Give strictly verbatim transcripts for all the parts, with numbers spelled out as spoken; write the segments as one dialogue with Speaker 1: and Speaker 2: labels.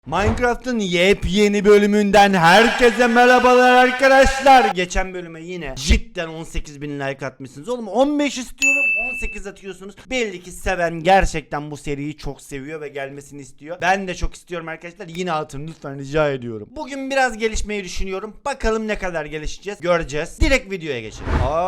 Speaker 1: Minecraft'ın yepyeni bölümünden herkese merhabalar arkadaşlar. Geçen bölüme yine cidden on sekiz bin like atmışsınız. Oğlum on beş istiyorum, on sekiz atıyorsunuz. Belli ki seven gerçekten bu seriyi çok seviyor ve gelmesini istiyor. Ben de çok istiyorum arkadaşlar. Yine atın lütfen, rica ediyorum. Bugün biraz gelişmeyi düşünüyorum. Bakalım ne kadar gelişeceğiz, göreceğiz. Direkt videoya geçelim.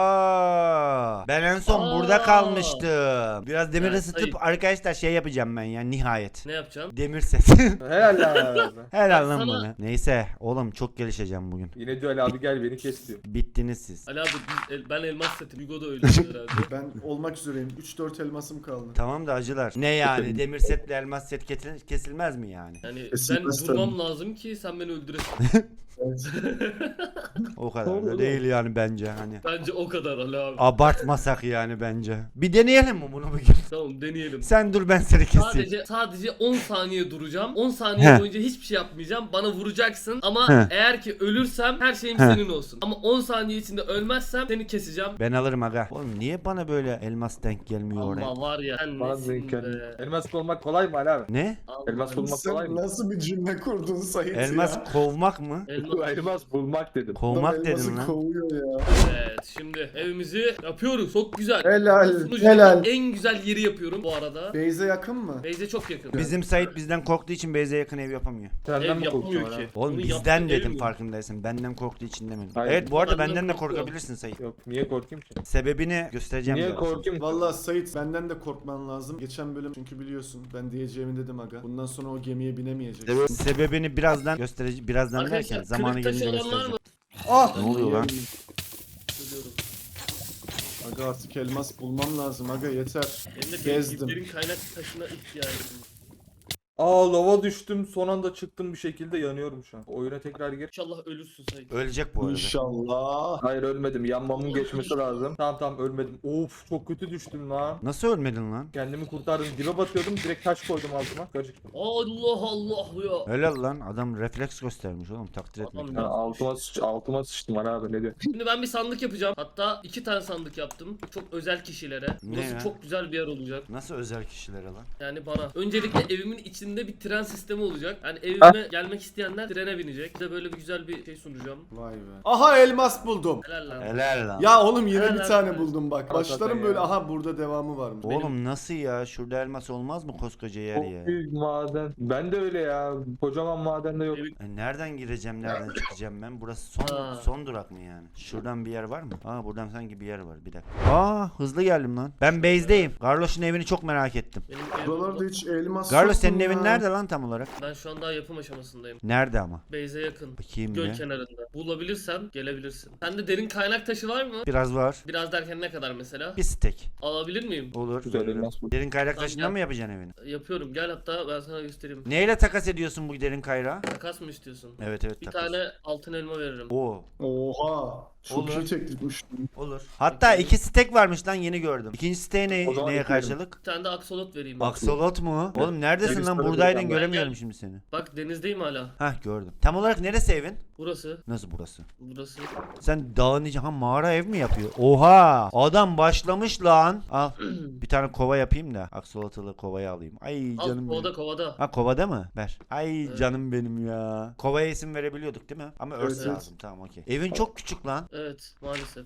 Speaker 1: Aa, ben en son
Speaker 2: Aa.
Speaker 1: burada kalmıştım. Biraz demir
Speaker 2: Yani
Speaker 1: ısıtıp
Speaker 2: sayın-
Speaker 1: arkadaşlar şey yapacağım ben ya, nihayet.
Speaker 2: Ne yapacaksın?
Speaker 1: Demir set.
Speaker 3: Helal lan abi.
Speaker 1: Helal lan
Speaker 2: Sana-
Speaker 1: bana. Neyse oğlum, çok gelişeceğim bugün.
Speaker 3: Yine diyor Ali abi gel beni kes diyor.
Speaker 1: Bittiniz siz.
Speaker 2: Ali abi biz, el- ben elmas setim. Hugo da öyle herhalde.
Speaker 4: Ben olmak üzereyim. üç dört elmasım kaldı.
Speaker 1: Tamam da acılar. Ne yani, demir setle elmas set kesil- kesilmez mi yani?
Speaker 2: Yani ben
Speaker 4: Kesilmez
Speaker 2: vurmam
Speaker 4: tabii.
Speaker 2: lazım ki sen beni öldüresin.
Speaker 4: Evet.
Speaker 1: O kadar da değil yani bence, hani.
Speaker 2: Bence o kadar Ali abi.
Speaker 1: Abartmasak yani bence. Bir deneyelim mi bunu bugün?
Speaker 2: Tamam deneyelim.
Speaker 1: Sen dur, ben seni keseyim.
Speaker 2: Sadece sadece on saniye duracağım. on saniye
Speaker 1: Heh.
Speaker 2: boyunca hiçbir şey yapmayacağım. Bana vuracaksın ama
Speaker 1: Heh.
Speaker 2: eğer ki ölürsem her şeyim
Speaker 1: Heh.
Speaker 2: senin olsun. Ama on saniye içinde ölmezsem seni keseceğim.
Speaker 1: Ben alırım aga. Oğlum niye bana böyle elmas denk gelmiyor oraya?
Speaker 2: Ama var ya sen
Speaker 3: Bana
Speaker 2: nesin
Speaker 3: denk geldi.
Speaker 2: be?
Speaker 3: Elmas bulmak kolay mı Ali abi?
Speaker 1: Ne?
Speaker 2: Allah
Speaker 3: Elmas bulmak kolay
Speaker 4: Sen
Speaker 3: mı?
Speaker 4: nasıl bir cümle kurdun Sait
Speaker 1: Elmas
Speaker 4: ya?
Speaker 1: kovmak mı?
Speaker 2: Elmas.
Speaker 3: Elmas bulmak dedim.
Speaker 1: Kovmak
Speaker 4: Adam
Speaker 1: dedim
Speaker 4: elması
Speaker 1: lan.
Speaker 4: kovuyor ya.
Speaker 2: Evet şimdi evimizi yapıyoruz. Çok güzel.
Speaker 4: Helal,
Speaker 2: Sunucudaki
Speaker 4: helal.
Speaker 2: En güzel yeri yapıyorum bu arada.
Speaker 4: Beyze yakın mı?
Speaker 2: Beyze çok yakın.
Speaker 1: Bizim Sait bizden korktuğu için Beyze yakın ev yapamıyor.
Speaker 3: Senden
Speaker 2: Ev
Speaker 3: mi
Speaker 2: yapmıyor
Speaker 3: korkuyorsun
Speaker 2: ki.
Speaker 3: abi?
Speaker 1: Oğlum
Speaker 2: Bunu
Speaker 1: bizden
Speaker 2: yaptığı ev
Speaker 1: dedim,
Speaker 2: mi?
Speaker 1: farkındaysın. Benden korktuğu için demedim.
Speaker 3: Hayır.
Speaker 1: Evet, bu arada
Speaker 2: Benden
Speaker 1: benden de
Speaker 2: korkuyor.
Speaker 1: korkabilirsin Sait.
Speaker 3: Yok niye korkayım ki?
Speaker 1: Sebebini göstereceğim
Speaker 3: Niye
Speaker 1: biraz.
Speaker 3: korkayım?
Speaker 4: Vallahi Sait, benden de korkman lazım. Geçen bölüm çünkü biliyorsun ben diyeceğimi dedim aga. Bundan sonra o gemiye binemeyeceksin.
Speaker 1: Sebebini birazdan göstereceğim. Birazdan derken
Speaker 2: Arkadaşlar
Speaker 1: zamanı
Speaker 2: kırık taşı
Speaker 1: gelince
Speaker 2: olan var
Speaker 1: göstereceğim.
Speaker 2: mı?
Speaker 4: Ah!
Speaker 1: Ne oluyor lan?
Speaker 2: Biliyorum.
Speaker 4: Aga artık elmas bulmam lazım aga, yeter.
Speaker 2: Benim de
Speaker 4: Gezdim.
Speaker 2: bilgilerin kaynak taşına ihtiyacım var.
Speaker 3: Aa lava düştüm son anda çıktım bir şekilde yanıyorum şu an. Oyuna tekrar gir.
Speaker 2: İnşallah ölürsün Sait.
Speaker 1: Ölecek bu arada.
Speaker 4: İnşallah.
Speaker 3: Hayır ölmedim yanmamın geçmesi lazım. Tamam tamam ölmedim. Of çok kötü düştüm lan.
Speaker 1: Nasıl ölmedin lan?
Speaker 3: Kendimi kurtardım dibe batıyordum direkt taş koydum altıma. Acıktım.
Speaker 2: Allah Allah ya.
Speaker 1: Helal lan, adam refleks göstermiş oğlum, takdir etmek
Speaker 2: Adam
Speaker 1: lazım.
Speaker 3: Ha, altıma, sıç altıma sıçtım Ali abi ne diyor?
Speaker 2: Şimdi ben bir sandık yapacağım. Hatta iki tane sandık yaptım. Çok özel kişilere.
Speaker 1: Ne
Speaker 2: Burası
Speaker 1: ya?
Speaker 2: çok güzel bir yer olacak.
Speaker 1: Nasıl özel kişilere lan?
Speaker 2: Yani bana. Öncelikle evimin içinde bir tren sistemi olacak. Yani evime gelmek isteyenler trene binecek. Size böyle bir güzel bir şey sunacağım.
Speaker 4: Vay be. Aha elmas buldum.
Speaker 2: Helal lan.
Speaker 1: Helal lan.
Speaker 4: Ya oğlum yine
Speaker 2: Helal
Speaker 4: bir tane
Speaker 2: olsun.
Speaker 4: buldum bak.
Speaker 3: Hakikaten
Speaker 4: Başlarım
Speaker 3: ya.
Speaker 4: böyle, aha burada devamı varmış.
Speaker 1: Oğlum nasıl ya? Şurada elmas olmaz mı koskoca yer
Speaker 3: Çok
Speaker 1: ya?
Speaker 3: büyük maden. Ben de öyle ya. Kocaman madende yok.
Speaker 2: Evi-
Speaker 1: E, nereden gireceğim, nereden çıkacağım ben? Burası son
Speaker 2: Ha.
Speaker 1: son durak mı yani? Şuradan bir yer var mı? Aa, buradan sanki bir yer var. Bir dakika. Aa, hızlı geldim lan. Ben base'deyim. Garloş'un evini çok merak ettim.
Speaker 2: Benim evim
Speaker 4: Buralarda
Speaker 2: burada.
Speaker 4: hiç elmas
Speaker 1: Garloş,
Speaker 4: yok
Speaker 1: senin
Speaker 4: mu
Speaker 1: evin
Speaker 4: ya?
Speaker 1: nerede lan tam olarak?
Speaker 2: Ben şu an daha yapım aşamasındayım.
Speaker 1: Nerede ama?
Speaker 2: Beyze yakın.
Speaker 1: Bakayım
Speaker 2: Göl
Speaker 1: bir.
Speaker 2: kenarında. Bulabilirsen gelebilirsin. Sende derin kaynak taşı var mı?
Speaker 1: Biraz var.
Speaker 2: Biraz derken ne kadar mesela?
Speaker 1: Bir stek.
Speaker 2: Alabilir miyim?
Speaker 1: Olur.
Speaker 3: Güzel
Speaker 1: veririm.
Speaker 3: elmas bu.
Speaker 1: Derin kaynak
Speaker 2: Tamam,
Speaker 1: taşından
Speaker 2: gel.
Speaker 1: mı yapacaksın evini?
Speaker 2: Yapıyorum. Gel hatta ben sana göstereyim.
Speaker 1: Neyle takas ediyorsun bu derin kayrağı?
Speaker 2: Takas mı istiyorsun?
Speaker 1: Evet evet,
Speaker 2: Bir
Speaker 1: takas.
Speaker 2: tane altın elma veririm.
Speaker 1: Oo.
Speaker 4: Oha. Çok
Speaker 1: Olur.
Speaker 4: iyi teklifmiş.
Speaker 1: Olur. Hatta iki stek varmış lan, yeni gördüm. İkinci stek ne,
Speaker 3: O zaman
Speaker 1: neye
Speaker 3: ekleyelim.
Speaker 1: karşılık?
Speaker 2: Bir tane de aksolot vereyim.
Speaker 1: Aksolot mu? Oğlum neredesin
Speaker 3: Deniz
Speaker 1: lan?
Speaker 3: tarafı
Speaker 1: Buradaydın,
Speaker 3: ben-
Speaker 1: göremiyorum
Speaker 2: Gel.
Speaker 1: şimdi seni.
Speaker 2: Bak denizdeyim hala.
Speaker 1: Hah, gördüm. Tam olarak neresi evin?
Speaker 2: Burası.
Speaker 1: Nasıl burası?
Speaker 2: Burası.
Speaker 1: Sen dağın içi, ha, mağara ev mi yapıyor? Oha! Adam başlamış lan. Al. Bir tane kova yapayım da aksolotalı kovayı alayım. Ay
Speaker 2: Al
Speaker 1: canım
Speaker 2: kovada
Speaker 1: benim.
Speaker 2: kovada.
Speaker 1: Ha, kovada mı? Ver. Ay
Speaker 2: Evet.
Speaker 1: canım benim ya. Kovaya isim verebiliyorduk değil mi? Ama örs
Speaker 4: Evet.
Speaker 1: lazım. Tamam, okey. Evin çok küçük lan.
Speaker 2: Evet maalesef.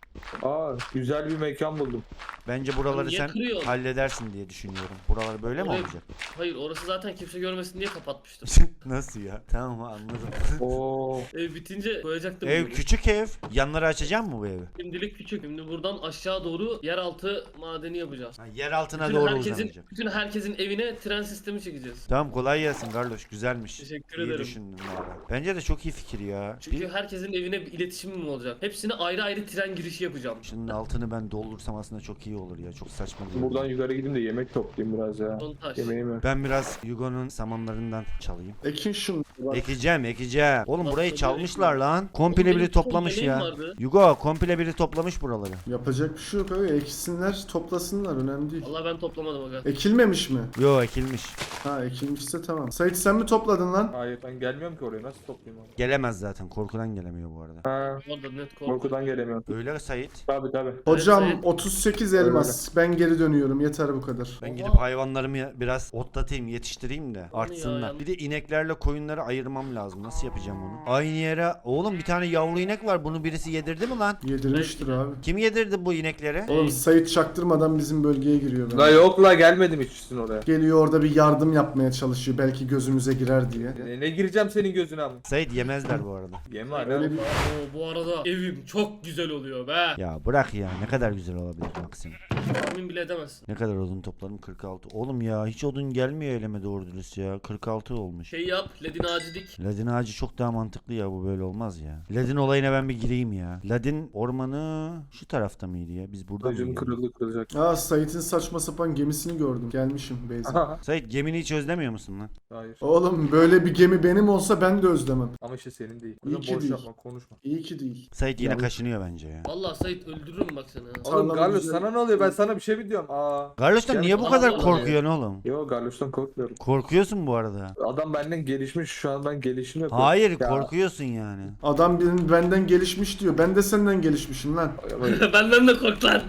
Speaker 3: Aa güzel bir mekan buldum.
Speaker 1: Bence buraları
Speaker 2: Niye
Speaker 1: sen
Speaker 2: kırıyorsun?
Speaker 1: halledersin diye düşünüyorum. Buralar böyle mi
Speaker 2: Oraya-
Speaker 1: olacak?
Speaker 2: Hayır orası zaten kimse görmesin diye kapatmıştım.
Speaker 1: Nasıl ya? Tamam, anladım.
Speaker 3: Oo.
Speaker 2: Ev bitince koyacaktım.
Speaker 1: Ev
Speaker 2: bunu.
Speaker 1: küçük ev. Yanları açacak mı bu evi?
Speaker 2: Şimdilik küçük. Şimdi buradan aşağı doğru yeraltı madeni yapacağız.
Speaker 1: Ha, yer altına
Speaker 2: Bütün
Speaker 1: doğru
Speaker 2: herkesin,
Speaker 1: uzanacak.
Speaker 2: bütün herkesin evine tren sistemi çekeceğiz.
Speaker 1: Tamam, kolay gelsin Carlos, güzelmiş.
Speaker 2: Teşekkür
Speaker 1: İyi
Speaker 2: ederim.
Speaker 1: düşündün valla. Bence de çok iyi fikir ya.
Speaker 2: Çünkü
Speaker 1: Bir,
Speaker 2: herkesin evine bir iletişimim olacak. Hepsine ayrı ayrı tren girişi yapacağım.
Speaker 1: şunun altını ben doldursam aslında çok iyi olur ya. Çok saçma değil.
Speaker 3: Buradan yukarı gideyim de yemek toplayayım biraz ya.
Speaker 2: Son taş.
Speaker 3: Yemeğimi.
Speaker 1: Ben biraz Yugo'nun samanlarından çalayım.
Speaker 4: Ekin şunu. Bak.
Speaker 1: Ekeceğim, ekeceğim. Oğlum
Speaker 2: Bak,
Speaker 1: burayı
Speaker 2: tabii
Speaker 1: çalmışlar
Speaker 2: ekeyim.
Speaker 1: lan. Komple
Speaker 2: Oğlum,
Speaker 1: biri
Speaker 2: benim çok
Speaker 1: toplamış
Speaker 2: yemeğim
Speaker 1: ya.
Speaker 2: vardı.
Speaker 1: Yugo, komple biri toplamış buraları.
Speaker 4: Yapacak bir şey yok abi. Eksinler, toplasınlar. Önemli değil.
Speaker 2: Allah ben toplamadım aga.
Speaker 4: Ekilmemiş mi?
Speaker 1: Yo, ekilmiş.
Speaker 4: Ha, ekilmişse tamam. Sait sen mi topladın lan?
Speaker 3: Hayır ben gelmiyorum ki oraya nasıl toplayayım onu?
Speaker 1: Gelemez zaten. Korkudan gelemiyor bu arada.
Speaker 3: Ha
Speaker 2: Orada net kork.
Speaker 3: korkudan gelemiyorum.
Speaker 1: Öyle Sait?
Speaker 3: Tabii tabii.
Speaker 4: Hocam
Speaker 2: Evet,
Speaker 4: otuz sekiz elmas. Ben geri dönüyorum. Yeter bu kadar.
Speaker 1: Ben
Speaker 2: Oha.
Speaker 1: gidip hayvanlarımı ya- biraz otlatayım, yetiştireyim de artsınlar.
Speaker 2: ya.
Speaker 1: Bir de ineklerle koyunları ayırmam lazım. Nasıl yapacağım onu? Aynı yere... Oğlum bir tane yavru inek var. Bunu birisi yedirdi mi lan?
Speaker 4: Yedirmiştir abi.
Speaker 1: Kim yedirdi bu inekleri?
Speaker 4: Oğlum Sait çaktırmadan bizim bölgeye giriyor.
Speaker 3: La
Speaker 4: Ben.
Speaker 3: yok la gelmedim hiç üstün oraya.
Speaker 4: Geliyor orada bir yardım yapmaya çalışıyor. Belki gözümüze girer diye.
Speaker 3: Ne, ne gireceğim senin gözüne ama.
Speaker 1: Sait yemezler bu arada.
Speaker 3: Yem var
Speaker 4: Öyle
Speaker 3: ya.
Speaker 4: bir-
Speaker 2: Oo, bu arada evim çok güzel oluyor be.
Speaker 1: Ya bırak ya. Ne kadar güzel olabilir Maksim.
Speaker 2: Tahmin bile edemezsin.
Speaker 1: Ne kadar odun topladım? kırk altı. Oğlum ya hiç odun gelmiyor elime doğru dürüst ya. kırk altı olmuş.
Speaker 2: Şey yap, ledin ağacı dik.
Speaker 1: Ladin ağacı çok daha mantıklı ya, bu böyle olmaz ya. Ladin olayına ben bir gireyim ya. Ladin ormanı şu tarafta mıydı ya? Biz burada
Speaker 3: Bacım
Speaker 1: mıydık?
Speaker 3: kırıldı kırılacak.
Speaker 4: Aa Sait'in saçma sapan gemisini gördüm. Gelmişim Beyza.
Speaker 1: Sait gemini hiç özlemiyor musun lan?
Speaker 3: Hayır.
Speaker 4: Oğlum böyle bir gemi benim olsa ben de özlemem.
Speaker 3: Ama işte senin değil.
Speaker 4: İyi
Speaker 3: Kızım
Speaker 4: ki
Speaker 3: boş
Speaker 4: değil.
Speaker 3: yapma konuşma.
Speaker 4: İyi ki değil.
Speaker 1: Sait yine
Speaker 4: Ya-
Speaker 1: kaşınıyor bence ya.
Speaker 2: Vallahi Sait öldürürüm bak seni. ha.
Speaker 3: Oğlum
Speaker 4: Tarlamı
Speaker 3: Carlos
Speaker 4: güzel-
Speaker 3: sana ne oluyor? Ben sana bir şey mi diyorum? Aa.
Speaker 1: Garloş'tan
Speaker 3: Gel-
Speaker 1: niye bu
Speaker 2: Aa,
Speaker 1: kadar
Speaker 2: vallahi
Speaker 1: korkuyorsun oğlum?
Speaker 3: Yo Carlos'tan korkmuyorum.
Speaker 1: Korkuyorsun bu arada.
Speaker 3: Adam benden gelişmiş şu an ben gelişim yapıyorum.
Speaker 1: Hayır
Speaker 3: Ya.
Speaker 1: korkuyorsun yani.
Speaker 4: Adam benim benden gelişmiş diyor. Ben de senden gelişmişim lan.
Speaker 2: Benden de kork lan.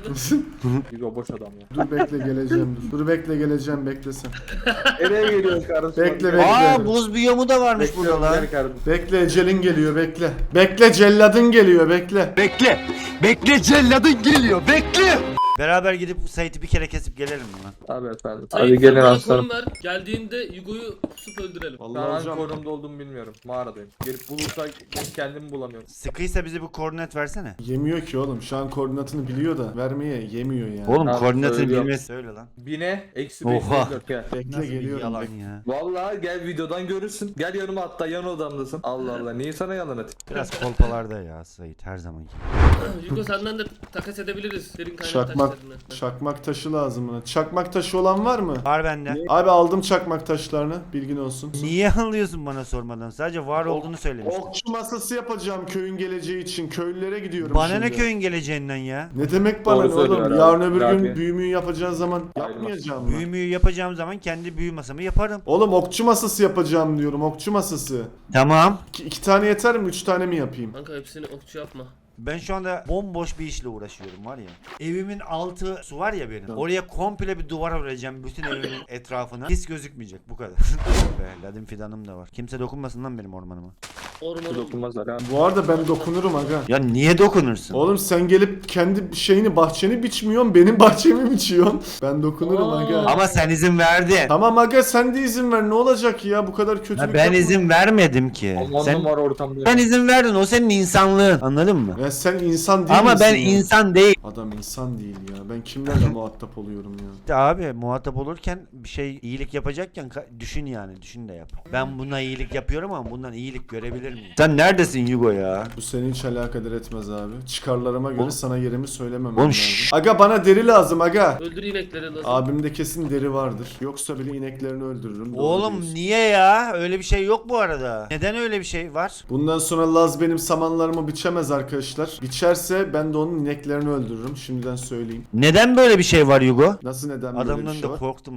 Speaker 3: Yo boş adam ya.
Speaker 4: Dur bekle geleceğim dur. Dur bekle geleceğim bekle sen.
Speaker 3: Nereye geliyorsun Carlos?
Speaker 4: Bekle, bekle.
Speaker 1: Aa buz biyomu da varmış burada
Speaker 3: Bekliyorum
Speaker 1: lan.
Speaker 3: gel kardeşim.
Speaker 4: Bekle ecelin geliyor bekle. Bekle celladın geliyor bekle.
Speaker 1: Bekle. Bekle celladın geliyor. Bekle. Beraber gidip Sait'i bir kere kesip gelelim mi lan?
Speaker 3: Abi efendim.
Speaker 2: Sait,
Speaker 3: Hadi
Speaker 2: sen
Speaker 3: gelin
Speaker 2: bana
Speaker 3: aslanım.
Speaker 2: konum ver. Geldiğinde Yugo'yu pusup öldürelim.
Speaker 3: Şu
Speaker 4: Vallahi
Speaker 3: an hangi
Speaker 4: hocam.
Speaker 3: konumda olduğumu bilmiyorum. Mağaradayım. Gelip bulursak ben kendimi bulamıyorum.
Speaker 1: Sıkıysa bize bir koordinat versene.
Speaker 4: Yemiyor ki oğlum. Şu an koordinatını biliyor da vermeye yemiyor yani.
Speaker 1: Oğlum
Speaker 3: Abi,
Speaker 1: koordinatını
Speaker 3: söylüyorum.
Speaker 1: bilmez. Söyle lan.
Speaker 3: Bine eksi
Speaker 1: Oha.
Speaker 3: beş yüz dört gel.
Speaker 4: Bekle
Speaker 1: Nasıl bir
Speaker 4: geliyorum.
Speaker 1: yalan
Speaker 4: bekle.
Speaker 1: ya.
Speaker 3: Vallahi gel videodan görürsün. Gel yanıma hatta yan odamdasın. Allah Allah niye sana yalan atayım?
Speaker 1: Biraz kolpalarda ya Sait her zamanki.
Speaker 2: Yugo senden de takas edebiliriz. Derin kaynak
Speaker 4: Çakmak,
Speaker 2: taşlarını.
Speaker 4: çakmak taşı lazım buna. Çakmak taşı olan var mı?
Speaker 1: Var bende.
Speaker 4: Abi aldım çakmak taşlarını. Bilgin olsun.
Speaker 1: Niye alıyorsun bana sormadan? Sadece var olduğunu söylemiştin.
Speaker 4: Okçu masası yapacağım köyün geleceği için. Köylülere gidiyorum
Speaker 1: Bana
Speaker 4: şimdi.
Speaker 1: ne köyün geleceğinden ya?
Speaker 4: Ne demek bana
Speaker 3: Doğru
Speaker 4: ne
Speaker 3: söylüyor
Speaker 4: oğlum?
Speaker 3: abi.
Speaker 4: Yarın öbür gün
Speaker 3: Abi.
Speaker 4: büyümüyü yapacağın zaman
Speaker 3: Ayrılmaz.
Speaker 4: yapmayacağım mı?
Speaker 1: Büyü müyü yapacağım zaman kendi büyü masamı yaparım.
Speaker 4: Oğlum okçu masası yapacağım diyorum. Okçu masası.
Speaker 1: Tamam.
Speaker 4: İki, iki tane yeter mi? Üç tane mi yapayım?
Speaker 2: Kanka hepsini okçu yapma.
Speaker 1: Ben şu anda bomboş bir işle uğraşıyorum var ya. Evimin altı su var ya benim. Oraya komple bir duvar öreceğim bütün evimin etrafına. Hiç gözükmeyecek bu kadar. Be, ladin fidanım da var. Kimse dokunmasın lan benim ormanıma.
Speaker 2: Ormanı.
Speaker 3: Dokunmazlar ha.
Speaker 4: Bu arada ben dokunurum aga.
Speaker 1: Ya niye dokunursun?
Speaker 4: Oğlum sen gelip kendi şeyini bahçeni biçmiyorsun. Benim bahçemi biçiyorsun. Ben dokunurum
Speaker 2: Aa.
Speaker 4: aga.
Speaker 1: Ama sen izin verdin.
Speaker 4: Tamam aga sen de izin ver. Ne olacak ya? Bu kadar kötülük
Speaker 1: Ya ben
Speaker 4: yapma.
Speaker 1: izin vermedim ki.
Speaker 3: On
Speaker 1: Sen,
Speaker 3: numara ortamda.
Speaker 1: sen izin verdin. O senin insanlığın. Anladın mı?
Speaker 4: Ya sen insan değil
Speaker 1: Ama
Speaker 4: misin
Speaker 1: ben
Speaker 4: ya?
Speaker 1: insan değil.
Speaker 4: Adam insan değil ya. Ben kimlerle muhatap oluyorum ya?
Speaker 1: İşte abi muhatap olurken bir şey iyilik yapacakken ka- düşün yani. Düşün de yap. Ben buna iyilik yapıyorum ama bundan iyilik görebilir miyim? Sen neredesin Yugo ya?
Speaker 4: Bu seni hiç alakadar etmez abi. Çıkarlarıma göre
Speaker 1: Oğlum-
Speaker 4: sana yerimi söylemem
Speaker 1: Oğlum
Speaker 4: lazım.
Speaker 1: şşş.
Speaker 4: Aga bana deri lazım aga.
Speaker 2: Öldür inekleri lazım.
Speaker 4: Abimde kesin deri vardır. Yoksa bile ineklerini öldürürüm. Doğru
Speaker 1: Oğlum
Speaker 4: diyorsun.
Speaker 1: niye ya? Öyle bir şey yok bu arada. Neden öyle bir şey var?
Speaker 4: Bundan sonra Laz benim samanlarımı biçemez arkadaşlar. Biçerse ben de onun ineklerini öldürürüm. Şimdiden söyleyeyim.
Speaker 1: Neden böyle bir şey var Yugo?
Speaker 4: Nasıl neden böyle bir
Speaker 1: Adamdan
Speaker 4: şey
Speaker 1: da
Speaker 4: var?
Speaker 1: korktum.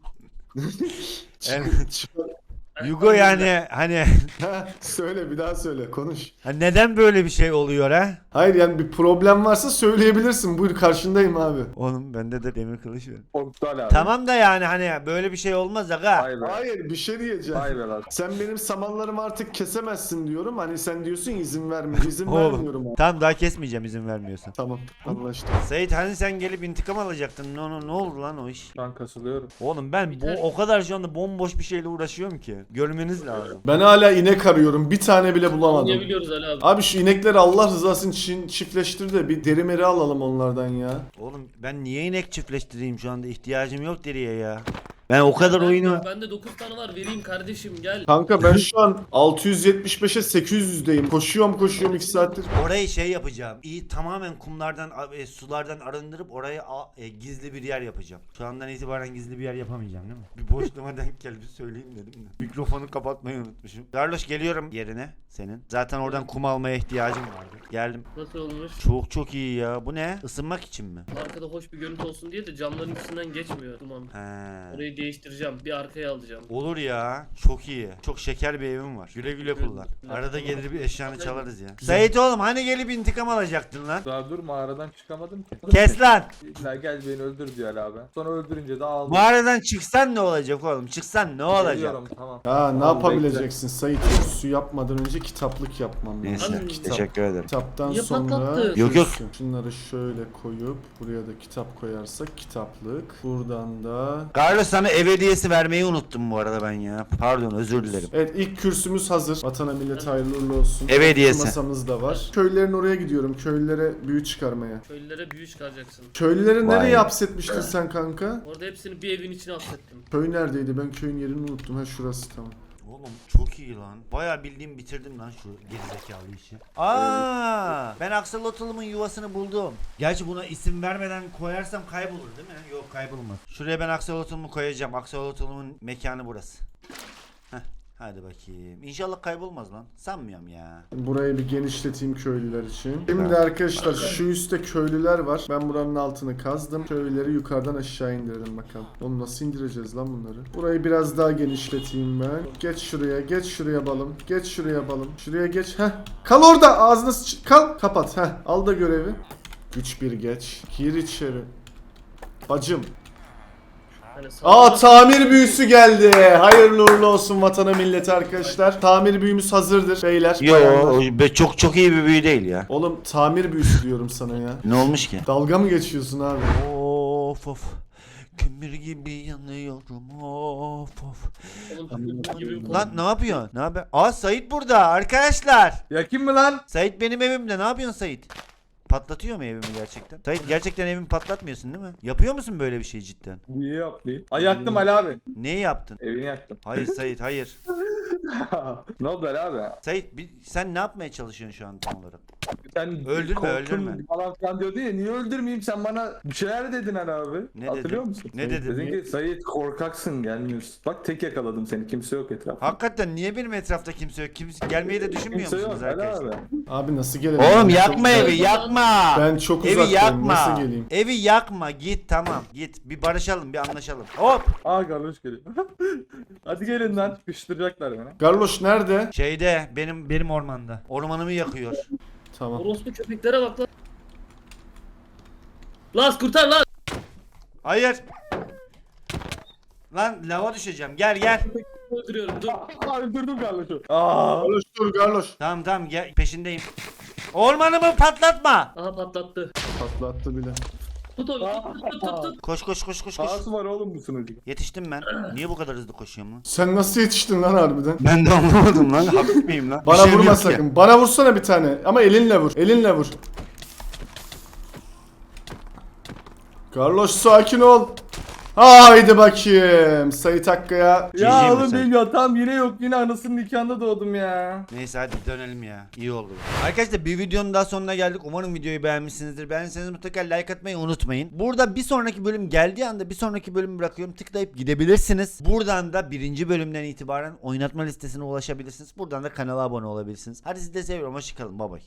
Speaker 1: Evet. Yugo yani hani
Speaker 4: Ha, söyle bir daha söyle konuş.
Speaker 1: ha neden böyle bir şey oluyor ha?
Speaker 4: Hayır yani bir problem varsa söyleyebilirsin. Buyur karşındayım abi.
Speaker 1: Oğlum bende de demir kılıç var.
Speaker 3: Korktuğal abi.
Speaker 1: Tamam da yani hani böyle bir şey olmaz aga.
Speaker 3: Vay be.
Speaker 4: Hayır bir şey diyeceğim.
Speaker 3: Vay be lan.
Speaker 4: Sen benim samanlarımı artık kesemezsin diyorum. Hani sen diyorsun ya, izin verme. İzin
Speaker 1: Oğlum.
Speaker 4: vermiyorum abi.
Speaker 1: Tamam daha kesmeyeceğim izin vermiyorsan.
Speaker 4: Tamam anlaştık.
Speaker 1: Sait hani sen gelip intikam alacaktın. Ne, ne, ne oldu lan o iş?
Speaker 3: Şu an kasılıyorum.
Speaker 1: Oğlum ben bu
Speaker 2: Biter.
Speaker 1: o kadar şu anda bomboş bir şeyle uğraşıyorum ki. Görmeniz lazım.
Speaker 4: Ben hala inek arıyorum. Bir tane bile bulamadım.
Speaker 2: Anlayabiliyoruz Ali abi.
Speaker 4: Abi şu inekleri Allah rızası için çiftleştir de bir deri meri alalım onlardan ya.
Speaker 1: Oğlum ben niye inek çiftleştireyim şu anda ihtiyacım yok deriye ya. Ben o kadar
Speaker 2: Ben-
Speaker 1: oyunu...
Speaker 2: Bende dokuz tane var vereyim kardeşim gel.
Speaker 4: Kanka ben şu an altı yüz yetmiş beşe sekiz yüzdeyim. Koşuyorum koşuyorum iki saattir.
Speaker 1: Orayı şey yapacağım. İyi tamamen kumlardan, e, sulardan arındırıp oraya a- e, gizli bir yer yapacağım. Şu andan itibaren gizli bir yer yapamayacağım değil mi? Bir boşluğuma denk geldi söyleyeyim dedim de. Mikrofonu kapatmayı unutmuşum. Darloş geliyorum yerine senin. Zaten oradan kum almaya ihtiyacım vardı. Geldim.
Speaker 2: Nasıl olmuş?
Speaker 1: Çok çok iyi ya. Bu ne? Isınmak için mi?
Speaker 2: Arkada hoş bir görüntü olsun diye de camların üstünden geçmiyor duman.
Speaker 1: He.
Speaker 2: Orayı Evi değiştireceğim. Bir arkaya alacağım.
Speaker 1: Olur ya. Çok iyi. Çok şeker bir evim var. Güle güle kullan. Arada gelir bir eşyanı çalarız ya. Sait oğlum hani gelip intikam alacaktın lan.
Speaker 3: Daha dur mağaradan çıkamadım ki.
Speaker 1: Kes lan.
Speaker 3: İlla gel beni öldür diyor Ali abi. Sonra öldürünce de ağladım.
Speaker 1: Mağaradan çıksan ne olacak oğlum? Çıksan ne olacak?
Speaker 3: Geliyorum, tamam.
Speaker 4: Ha ne
Speaker 3: Tamam,
Speaker 4: yapabileceksin Sait? Su yapmadan önce kitaplık yapmam lazım.
Speaker 2: Neyse,
Speaker 4: Kitap.
Speaker 1: teşekkür ederim.
Speaker 4: Kitaptan
Speaker 2: Niye
Speaker 4: sonra
Speaker 2: patlattın?
Speaker 1: Yok, yok.
Speaker 4: şunları şöyle koyup buraya da kitap koyarsak kitaplık. Buradan da
Speaker 1: Carlos sana ev hediyesi vermeyi unuttum bu arada ben ya. Pardon özür dilerim.
Speaker 4: evet ilk kürsümüz hazır. Vatana millete hayırlı uğurlu olsun.
Speaker 1: Ev hediyesi.
Speaker 4: Masamız da var. Köylülerin oraya gidiyorum. Köylülere büyü çıkarmaya.
Speaker 2: Köylülere büyü çıkaracaksın.
Speaker 4: Köylüleri
Speaker 1: Vay.
Speaker 4: nereye hapsetmiştin sen kanka?
Speaker 2: Orada hepsini bir evin içine hapsettim.
Speaker 4: Köy neredeydi? Ben köyün yerini unuttum. Ha şurası tamam.
Speaker 1: Oğlum çok iyi lan. Bayağı bildiğim bitirdim lan şu gerizekalı işi. Aa, ben aksolotlumun yuvasını buldum. Gerçi buna isim vermeden koyarsam kaybolur değil mi? Yok kaybolmaz. Şuraya ben aksolotlumu koyacağım. Aksolotlumun mekanı burası. Heh, hadi bakayım. İnşallah kaybolmaz lan. Sanmıyorum ya.
Speaker 4: Burayı bir genişleteyim köylüler için. Şimdi arkadaşlar şu üstte köylüler var. Ben buranın altını kazdım. Köylüleri yukarıdan aşağı indirelim bakalım. Onu nasıl indireceğiz lan bunları? Burayı biraz daha genişleteyim ben. Geç şuraya, geç şuraya balım. Geç şuraya balım. Şuraya geç. Heh. Kal orada. Ağzına sıç- kal. Kapat. Heh. Al da görevi. üç bir geç. Gir içeri. Bacım.
Speaker 2: Hani
Speaker 4: Aa
Speaker 2: sağ-
Speaker 4: tamir büyüsü geldi. Hayırlı uğurlu olsun vatana millete arkadaşlar. Tamir büyümüz hazırdır beyler. bayanlar.
Speaker 1: Yo, be- çok çok iyi bir büyü değil ya.
Speaker 4: Oğlum tamir büyüsü diyorum sana ya.
Speaker 1: Ne olmuş ki?
Speaker 4: Dalga mı geçiyorsun abi?
Speaker 1: Of of. Kömür gibi yanıyorum. Of of.
Speaker 2: Oğlum, gibi bir
Speaker 1: Lan ne yapıyorsun? Ne haber? Aa Sait burada arkadaşlar.
Speaker 3: Yakın mı lan?
Speaker 1: Sait benim evimde. Ne yapıyorsun Sait? Patlatıyor mu evimi gerçekten? Sait gerçekten evimi patlatmıyorsun değil mi? Yapıyor musun böyle bir şey cidden?
Speaker 3: Niye yapmayayım? Ay yaktım Ali abi.
Speaker 1: Neyi yaptın?
Speaker 3: Evini yaktım.
Speaker 1: Hayır Sait hayır.
Speaker 3: Ne oldu Ali abi?
Speaker 1: Sait bir, sen ne yapmaya çalışıyorsun şu an tam olarak?
Speaker 3: Sen
Speaker 1: Öldürme,
Speaker 3: korktun
Speaker 1: öldürme.
Speaker 3: Falan filan diyordun ya, niye öldürmeyeyim, sen bana bir şeyler dedin Ali abi.
Speaker 1: Ne
Speaker 3: Hatırlıyor
Speaker 1: dedim?
Speaker 3: musun?
Speaker 1: Ne dedim?
Speaker 3: Dedin ki Sayit korkaksın, gelmiyorsun. Bak tek yakaladım seni, kimse yok etrafta.
Speaker 1: Hakikaten niye benim etrafta kimse yok? Kimse gelmeyi de düşünmüyor
Speaker 3: Kimse
Speaker 1: musunuz
Speaker 3: yok Ali
Speaker 1: arkadaşlar?
Speaker 3: abi.
Speaker 4: Abi nasıl gelelim?
Speaker 1: Oğlum
Speaker 4: Ben
Speaker 1: yakma
Speaker 4: çok-
Speaker 1: evi yakma.
Speaker 4: Ben çok
Speaker 1: Evi
Speaker 4: uzaktayım.
Speaker 1: yakma.
Speaker 4: Nasıl geleyim?
Speaker 1: Evi yakma. Git tamam. Git. Bir barışalım, bir anlaşalım. Hop.
Speaker 3: Aa garloş geliyor. Hadi gelin lan, sıkıştıracaklar beni.
Speaker 4: Garloş nerede?
Speaker 1: Şeyde benim benim ormanda. Ormanımı yakıyor.
Speaker 4: Tamam.
Speaker 2: Orospu köpeklere bak lan. Las kurtar lan.
Speaker 1: Hayır. Lan lava düşeceğim. Gel gel.
Speaker 2: Öldürüyorum dur.
Speaker 3: Aa öldürdüm garloşu. Aa.
Speaker 4: Garloş dur Garloş.
Speaker 1: Tamam tamam gel peşindeyim. Ormanımı patlatma.
Speaker 2: Aha patlattı.
Speaker 4: Patlattı bile.
Speaker 2: Tut onu tut tut tut tut.
Speaker 1: Koş koş koş koş koş.
Speaker 3: Ağası var oğlum bu sunucu.
Speaker 1: Yetiştim ben. Niye bu kadar hızlı koşuyorum lan?
Speaker 4: Sen nasıl yetiştin lan harbiden?
Speaker 1: Ben de anlamadım lan. Hafif miyim lan? Bir
Speaker 4: Bana
Speaker 1: şeyim
Speaker 4: vurma
Speaker 1: yok ki.
Speaker 4: sakın. Bana vursana bir tane. Ama elinle vur. Elinle vur. Garloş sakin ol. Haydi bakayım. Sait Hakkı'ya.
Speaker 1: Cici
Speaker 3: Ya
Speaker 1: mi
Speaker 3: oğlum
Speaker 1: sen?
Speaker 3: benim yatağım yine yok, yine anasının nikahında doğdum ya.
Speaker 1: Neyse hadi dönelim ya. İyi oldu. Arkadaşlar bir videonun daha sonuna geldik. Umarım videoyu beğenmişsinizdir. Beğendiyseniz mutlaka like atmayı unutmayın. Burada bir sonraki bölüm geldiği anda bir sonraki bölümü bırakıyorum. Tıklayıp gidebilirsiniz. Buradan da birinci bölümden itibaren oynatma listesine ulaşabilirsiniz. Buradan da kanala abone olabilirsiniz. Hadi sizi de seviyorum. Hoşçakalın. Bye bye.